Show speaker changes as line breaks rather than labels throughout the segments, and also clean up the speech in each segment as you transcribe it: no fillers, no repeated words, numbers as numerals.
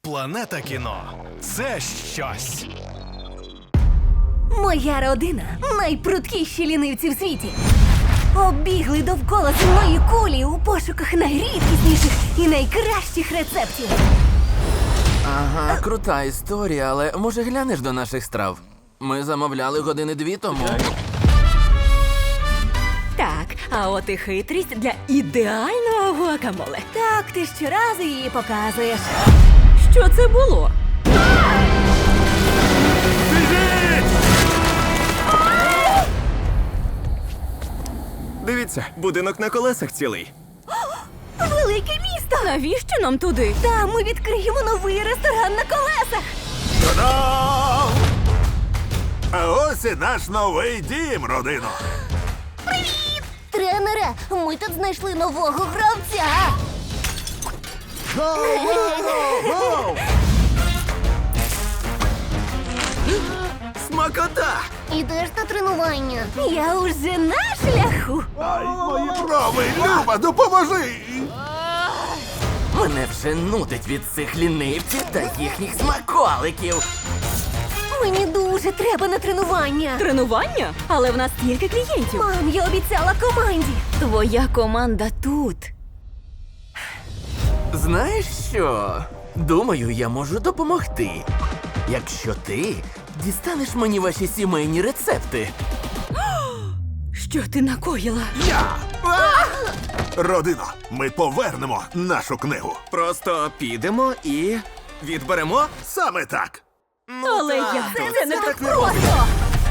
Планета кіно – це щось.
Моя родина – найпруткіші лінивці в світі. Оббігли довкола земної кулі у пошуках найрідкісніших і найкращих рецептів.
Ага, крута історія, але може глянеш до наших страв? Ми замовляли години 2 тому.
Так, а от і хитрість для ідеального гуакамоле. Так, ти щоразу її показуєш. Що це було?
Дивіться, будинок на колесах цілий.
Велике місто! Навіщо нам туди? Там ми відкриємо новий ресторан на колесах.
Та-дам! А ось і наш новий дім, родино.
Тренере, ми тут знайшли нового гравця.
Смакота!
Ідеш на тренування. Я уже на шляху.
Ай, мої брови, Люба, допоможи!
Мене вже нудить від цих лінивців та їхніх смаколиків.
Мені дуже треба на тренування.
Тренування? Але в нас стільки клієнтів.
Мам, я обіцяла команді.
Твоя команда тут.
Знаєш що? Думаю, я можу допомогти. Якщо ти дістанеш мені ваші сімейні рецепти.
Що ти накоїла?
Я! Родино, ми повернемо нашу книгу.
Просто підемо і відберемо.
Саме так.
Але як це не так
Просто!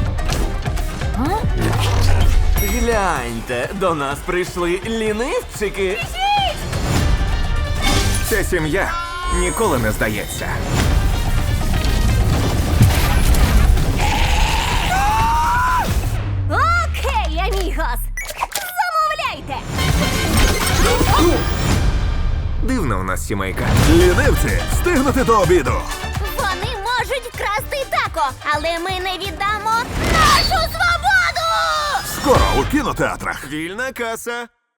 Гляньте, до нас прийшли лінивчики.
Ця сім'я ніколи не здається.
Окей, амігос. Замовляйте.
Дивна у нас сімейка.
Лінивці, встигнути до обіду.
Вони можуть вкрасти тако, але ми не віддамо нашу свободу!
Скоро у кінотеатрах.
Вільна каса.